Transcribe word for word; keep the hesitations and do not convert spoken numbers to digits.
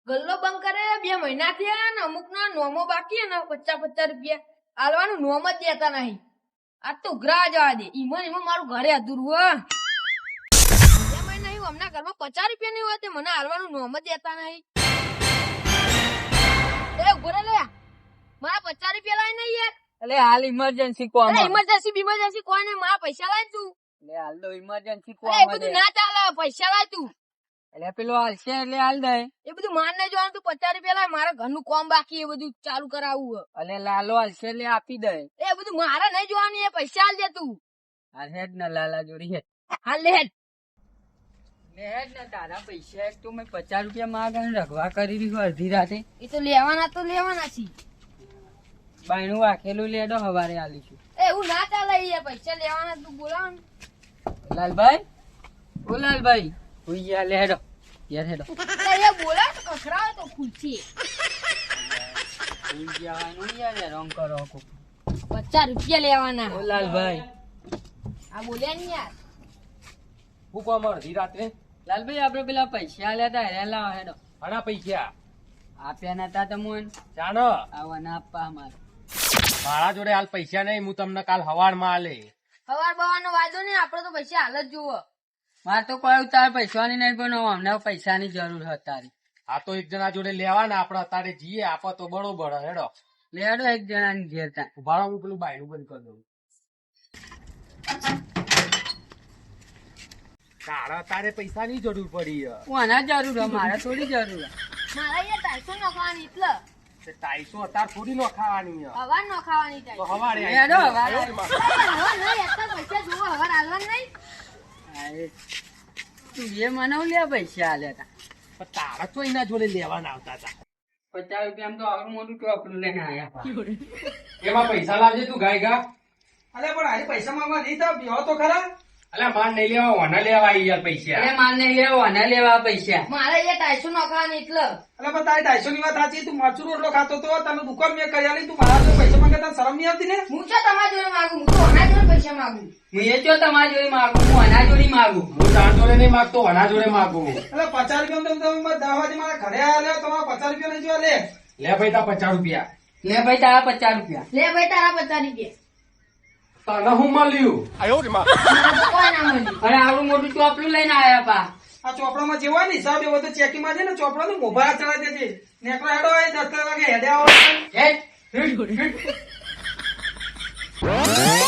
ગલ્લો બંધ કરે બે મહિના થયા ને અમુક ના નોમો બાકી ને પચાસ પચાસ રૂપિયા આલવાનું નોમ જ દેતા નહીં. આ તો ઉઘરા જવા દે. ઈમન ઈમન મારું ઘરે અધૂરું હો. બે મહિના નહીં હમણાં ઘરમાં પચાસ રૂપિયા નહીં હોય તે મને આલવાનું નોમ જ દેતા નહીં. એ ઉભો રે લે મારા પચાસ રૂપિયા લાય નહીં યાર. એટલે હાલ ઇમરજન્સી કોમ ઇમરજન્સી બીમરજન્સી કોઈ નહીં મારા પૈસા લાય તું. એટલે હાલ તો ઇમરજન્સી કોમ એ બધું ના ચાલે પૈસા લાય તું. એટલે પેલો હાલશે એટલે હાલ દે. એ બધું માન નહીં જોવાનું તું પચાસ રૂપિયા લાય મારા ઘરનું કોમ બાકી એ બધું ચાલુ કરાવવું. એટલે લાલો હાલશે એટલે આપી દે. એ બધું મારે નહીં જોવાનું એ પૈસા આલ દે તું. હાલ હેડ ને લાલા જોડી હેડ. હાલ લે હેડ. લે હેડ ને તારા પૈસા એક તું મેં પચાસ રૂપિયા માગ અને રગવા કરી દીધું અડધી રાતે. એ તો લેવાના તો લેવાના છે. બાયણું વાખેલું લેડો હવારે આલીશું. એ એવું ના ચાલે એ પૈસા લેવાના તું બોલાવ ને. લાલભાઈ ઓ લાલભાઈ હુઈ જા લે હેડો યાર હેડો. એ બોલાવ તો કખરાવે તો ખુલશે. હુઈ જવાનું યાર રંગ કરો કો. પચાસ રૂપિયા લેવાના. ઓ લાલભાઈ આ બોલ્યા નહીં યાર. હું કોમ અડધી રાત્રે લાલભાઈ આપડે પેલા પૈસા આલ્યા તા હેરા લાવો હેડો. આના પૈસા આપ્યા નતા તમોન જાનો આવવાના આપવા અમારે. મારા જોડે હાલ પૈસા નહીં. હું તમને કાલ હવાડ માં આલે. હવાર બવાનો વાંધો નહીં આપડે તો પૈસા હાલ જ જોવો. મારે તો કોઈ તાર પૈસાની નહીં પણ અમને પૈસાની જરૂર હતી તારી. આ તો એક જણા જોડે લેવાના આપડે અત્યારે જઈએ આપો તો બરોબર હેડો. લેડો એક જણાની ઘેર તા. ઉભા હું પેલું બાયણું બંધ કરી દઉં. તારા તારે પૈસા ની જરૂર પડી. કોના જરૂર હે? મારે થોડી જરૂર હે. મારા અહીંયા ટાઈસો નખાવાની એટલે ટાઈસો અત્યારે થોડી નો ખાવાની હવાર નખાવાની તો ટાઈસો. હવારે લેડો હવારે. હવાર નહીં એટલા પૈસા જોવો હવાર હાલવાનું નહીં. અરે, તું એ મને લે પૈસા આલ્યા તા. પણ તારા તો એના જોડે લેવાના આવતા હતા. પચાસ રૂપિયા તો આવડું મોટું ટોપલું લઈને આયા. એમાં પૈસા લાવજે તું ગાય ગા. અલે પણ આજે પૈસા માંગવા નહીં તો બેહો તો ખરા. અલ્યા માન નહીં લેવા ઓના લેવા આવી યાર પૈસા. એ માને લેવા ને લેવા પૈસા. મારે અહીંયા ટાઈસો નખાવાની એટલે અલે પણ તારી ઢાઈસો ની વાત સાચી. તું મરચું રોટલો ખાતો તો તને દુકાન મેં કરી આલી. તું મારા જોડે પૈસા માંગે તને શરમ નહીં આવતી ને? હું છો તમારા જોડે માંગુ હું તો ઓના જોડે પૈસા માંગુ. હું એ જો તમારી જોડે માગું હું આના જોડી માગું. હું તાર જોડે નહીં માગતો ઓના જોડે માગું. અલે પચાસ રૂપિયા તો તમે દસ વાગે મારા ઘરે આવ્યા તમારા પચાસ રૂપિયા નહીં જોવા લે. લે ભાઈ તા પચાસ રૂપિયા. લે ભાઈ તારા પચાસ રૂપિયા. લે ભાઈ તારા પચાસ રૂપિયા. તને હું મળ્યું. મને તો કોઈ ના મળ્યું. અને આવડું મોટું ટોપલું લઈને આયા પા. આ ચોપડામાં જે હોય ને હિસાબ એવો તો ચેકી માં છે ને ચોપડા નું મોભા ચડાવી દેજે. નેકળો હેડો હોય દસ વાગે હેડે આવો. હેડ.